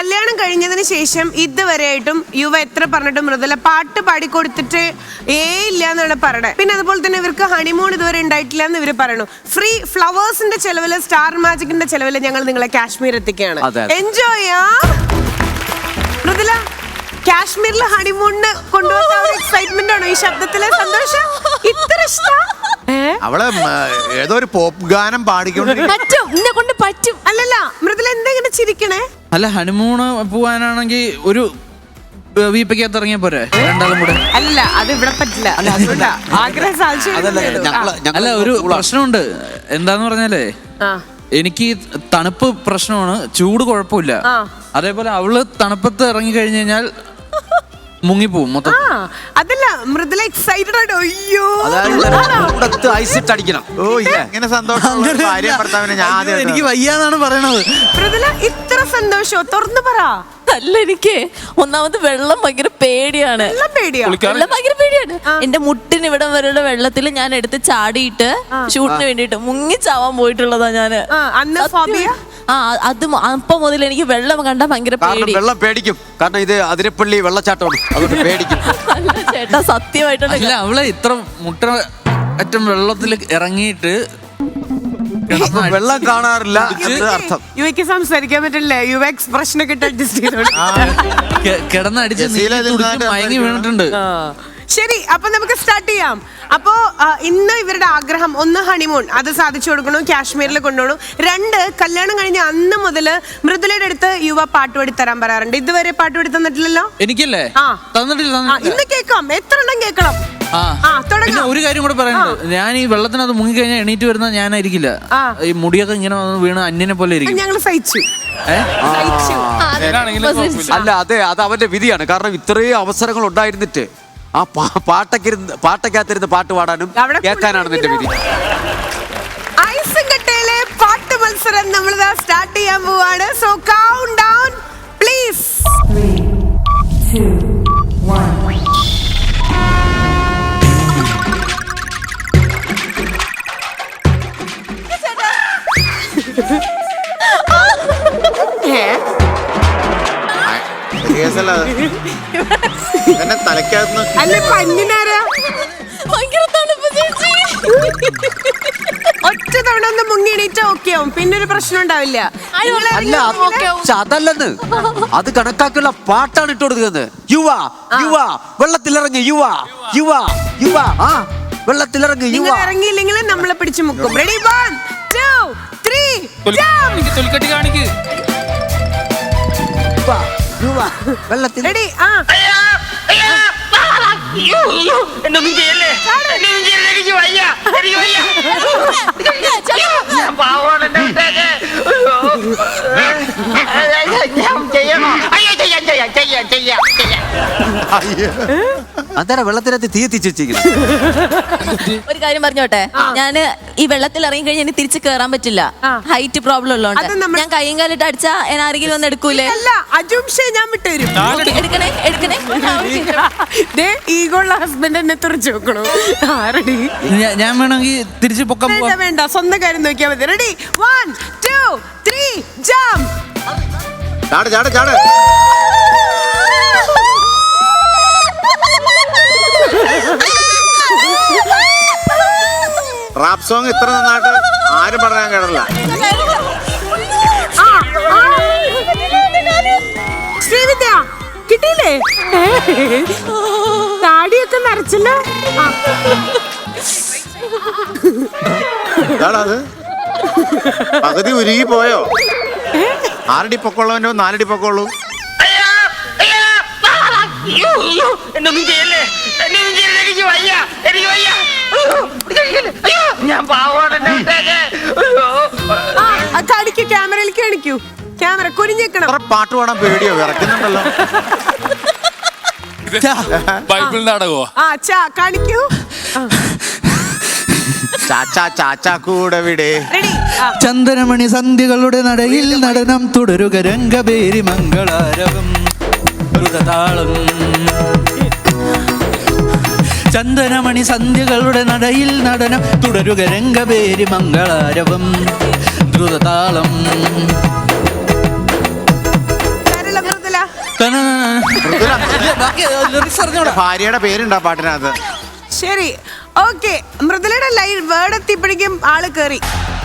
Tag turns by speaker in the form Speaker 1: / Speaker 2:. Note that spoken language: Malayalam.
Speaker 1: കല്യാണം കഴിഞ്ഞതിന് ശേഷം ഇതുവരെയായിട്ടും യുവ എത്ര പറഞ്ഞിട്ടും മൃദുല പാട്ട് പാടിക്കൊടുത്തിട്ട് ഇല്ല എന്നാണ് പറയണത്. പിന്നെ അതുപോലെ തന്നെ ഇവർക്ക് ഹണിമൂൺ ഇതുവരെ ഉണ്ടായിട്ടില്ല എന്ന് ഇവര് പറയണു. ഫ്രീ ഫ്ലവേഴ്സിന്റെ ചെലവില് സ്റ്റാർ മാജിക്കിന്റെ ചെലവില് ഞങ്ങൾ നിങ്ങളെ കാശ്മീർ എത്തിക്കുകയാണ്. എൻജോയ് ചെയ്യാം. മൃദുല, കാശ്മീരിലെ ഹണിമൂണിന് കൊണ്ടുപോകുന്ന എക്സൈറ്റ്മെന്റ് ആണോ ഈ ശബ്ദത്തിലെ സന്തോഷം? ഇത്ര ഇഷ്ടം?
Speaker 2: അവള് ഏതോ ഒരു പോപ്പ് ഗാനം പാടിക്കൊണ്ട്
Speaker 1: പറ്റും. അല്ലല്ല മൃദുല എന്തെങ്ങനെ ചിരിക്കണേ?
Speaker 3: അല്ല, ഹണിമൂണ് പോവാനാണെങ്കിൽ ഒരു വീപ്പയ്ക്കകത്ത് ഇറങ്ങിയ പോരെ രണ്ടാളും കൂടെ?
Speaker 1: അല്ല, അത് ഇവിടെ പറ്റില്ല. ആഗ്രഹം സാധിച്ചു.
Speaker 3: അല്ല, ഒരു പ്രശ്നമുണ്ട്. എന്താന്ന് പറഞ്ഞാലേ, എനിക്ക് തണുപ്പ് പ്രശ്നമാണ്, ചൂട് കുഴപ്പമില്ല. അതേപോലെ അവള് തണുപ്പത്ത് ഇറങ്ങി കഴിഞ്ഞു കഴിഞ്ഞാൽ മുങ്ങിപ്പോവും മൊത്തം.
Speaker 1: അതല്ല, മൃദുല എക്സൈറ്റഡ് ആയിട്ട് അയ്യോ
Speaker 2: ഐസിട്ടടിക്കണം. ഓ ഇങ്ങനെ സന്തോഷം
Speaker 3: എനിക്ക് വയ്യാന്നാണ് പറയണത്.
Speaker 1: മൃദുല ഇത്ര സന്തോഷോ? തുറന്നു പറ.
Speaker 4: അല്ല, എനിക്ക് ഒന്നാമത് വെള്ളം ഭയങ്കര പേടിയാണ്. വെള്ളം ഭയങ്കര പേടിയാണ്. എന്റെ മുട്ടിന് ഇവിടം വരെയുള്ള വെള്ളത്തിൽ ഞാൻ എടുത്ത് ചാടിയിട്ട് ഷൂട്ടിന് വേണ്ടിട്ട് മുങ്ങി ചാവാൻ പോയിട്ടുള്ളതാ ഞാന്. അത് അപ്പൊ മുതൽ എനിക്ക് വെള്ളം കണ്ടാ ഭയങ്കര പേടി.
Speaker 5: വെള്ളം പേടിക്കും, കാരണം ഇത് അതിരപ്പള്ളി വെള്ളച്ചാട്ടമാണ്, അതുകൊണ്ട് പേടിക്കും.
Speaker 4: ചേട്ടാ സത്യമായിട്ടുണ്ട്.
Speaker 3: അല്ല, അവളെ ഇത്ര മുട്ട അറ്റം വെള്ളത്തിൽ ഇറങ്ങിയിട്ട്
Speaker 5: വെള്ളം കാണാറില്ല അർത്ഥം.
Speaker 1: യുവയ്ക്ക് സംസാരിക്കാൻ പറ്റില്ല. യുവ എക്സ്പ്രഷൻ ഒക്കെ അഡ്ജസ്റ്റ്
Speaker 3: കിടന്നടിച്ച് മയങ്ങി വീണിട്ടുണ്ട്.
Speaker 1: ശരി, അപ്പൊ നമുക്ക് സ്റ്റാർട്ട് ചെയ്യാം. അപ്പോ ഇന്ന് ഇവരുടെ ആഗ്രഹം, ഒന്ന് ഹണിമൂൺ, അത് സാധിച്ചു കൊടുക്കണു, കാശ്മീരിൽ കൊണ്ടുപോകണം. 2, കല്യാണം കഴിഞ്ഞ അന്ന് മുതല് മൃദുലയുടെ അടുത്ത് യുവ പാട്ടുപാടി തരാൻ പറയാറുണ്ട്. ഇതുവരെ പാട്ടുപാടി തന്നിട്ടില്ലല്ലോ?
Speaker 3: എനിക്കല്ലേ? തന്നിട്ടില്ല.
Speaker 1: ഇന്ന് കേൾക്കാം, എത്ര എണ്ണം കേൾക്കണം.
Speaker 3: ഒരു കാര്യം കൂടെ പറയുന്നത്, ഞാൻ ഈ വെള്ളത്തിനകത്ത് മുങ്ങിക്കഴിഞ്ഞാൽ എണീറ്റ് വരുന്ന ഞാനായിരിക്കില്ല. ഈ മുടിയൊക്കെ ഇങ്ങനെ വീണ് അന്യനെ പോലെ ഇരിക്കും.
Speaker 1: ഞങ്ങൾ സഹിച്ചു.
Speaker 5: അല്ല, അതെ, അത് അവന്റെ വിധിയാണ്. കാരണം ഇത്രയും അവസരങ്ങൾ ഉണ്ടായിരുന്നിട്ട് ആ പാട്ടക്കകത്തിരുന്ന് പാട്ട് പാടാനും കേൾക്കാനാണ് നിന്റെ വിധി.
Speaker 1: ഐസങ്കട്ടയിലെ പാട്ട് മത്സരം നമ്മൾ സ്റ്റാർട്ട് ചെയ്യാൻ പോവാണ്. So count down please. 3, 2, 1. അല്ല, പഞ്ഞിനാരാ? ഒറ്റ തവണ ഒന്ന് മുങ്ങി എണീറ്റാ ഓക്കെ ആവും, പിന്നെ ഒരു പ്രശ്നം ഉണ്ടാവില്ല.
Speaker 5: അല്ല, അതല്ലെന്ന്, അത് കണക്കാക്കിയുള്ള പാട്ടാണ് ഇട്ട് കൊടുക്കുന്നത്. യുവ യുവ വെള്ളത്തിലിറങ്ങി, യുവ യുവ യുവ വെള്ളത്തിലിറങ്ങി. യുവ
Speaker 1: ഇറങ്ങിയില്ലെങ്കിൽ നമ്മളെ പിടിച്ചു മുക്കും. റെഡി, 1, 2, 3
Speaker 3: തൊലിക്കട്ടി കാണിക്ക്.
Speaker 5: വെള്ളത്തിൽ
Speaker 1: റെഡി.
Speaker 6: എന്നൊന്നും ചെയ്യല്ലേ, എനിക്ക് വയ്യ, എനിക്ക് വയ്യ, ഞാൻ പാവമാണ്, ഞാൻ ചെയ്യണോ? അയ്യോ, ചെയ്യാം.
Speaker 5: അതെ, വെള്ളത്തിനകത്ത് തീ എത്തിച്ചിരിക്കുന്നു.
Speaker 4: ഒരു കാര്യം പറഞ്ഞോട്ടെ, ഞാന് ഈ വെള്ളത്തിൽ ഇറങ്ങി കഴിഞ്ഞാൽ എനിക്ക് തിരിച്ച് കേറാൻ പറ്റില്ല. ഹൈറ്റ് പ്രോബ്ലം ഉള്ളതുകൊണ്ട് ഞാൻ കൈയും കാലിട്ട് അടിച്ചാ ആരെങ്കിലും ഒന്ന് എടുക്കൂലേ?
Speaker 1: ഞാൻ വിട്ടുതരും.
Speaker 4: എടുക്കണേ.
Speaker 1: ഈഗോള്ള ഹസ്ബൻഡ് എന്നെ തുറച്ചു വെക്കണോ?
Speaker 3: ഞാൻ വേണമെങ്കിൽ തിരിച്ച് പൊക്കം.
Speaker 1: വേണ്ട, സ്വന്തം കാര്യം നോക്കിയാൽ മതി. Ready, 1, 2, 3 jump.
Speaker 2: ചാട്. റാപ്പ് സോങ് ഇത്ര നന്നായിട്ട് ആരും പറയാൻ കേട്ടില്ല.
Speaker 1: ശ്രീവിദ്യ കിട്ടിയില്ലേ? താടിയൊക്കെ നിറച്ചല്ലോ.
Speaker 2: അത് പകുതി ഉരുകി പോയോ? 6 അടി പൊക്കമുള്ളവനോ 4 അടി പൊക്കമുള്ളൂ.
Speaker 6: എന്നൊന്നും ചെയ്യല്ലേ, എനിക്ക് വയ്യ, ഞാൻ പാവമാണ്.
Speaker 1: കാണിക്കൂ, ക്യാമറയിലേക്ക് കാണിക്കൂ. ക്യാമറ കുനിഞ്ഞേക്കണം.
Speaker 2: പാട്ട് പാടാൻ പേടിയോ? വിറക്കുന്നുണ്ടല്ലോ.
Speaker 7: ബൈബിൾ നാടകോ?
Speaker 1: കാണിക്കൂ.
Speaker 2: ചാച്ചാ കൂടെ വിടെ.
Speaker 3: ചന്ദനമണി സന്ധ്യകളുടെ നടയിൽ നടനം തുടരുക, രംഗപേരി മംഗളാരവം ദ്രുതതാളം. ചന്ദനമണി സന്ധ്യകളുടെ നടയിൽ നടനം തുടരുക, രംഗപേരി മംഗളാരവം ദ്രുതതാളം.
Speaker 2: മൃദുല,
Speaker 3: ബാക്കി lyrics അറിഞ്ഞൂടാ.
Speaker 2: ഭാര്യയുടെ പേരുണ്ടാ പാട്ടിനകത്ത്.
Speaker 1: ശരി, ഓക്കെ. മൃദുലയുടെ ലൈൻ വേർഡ് എത്തിയപ്പോഴേക്കും ആള് കേറി.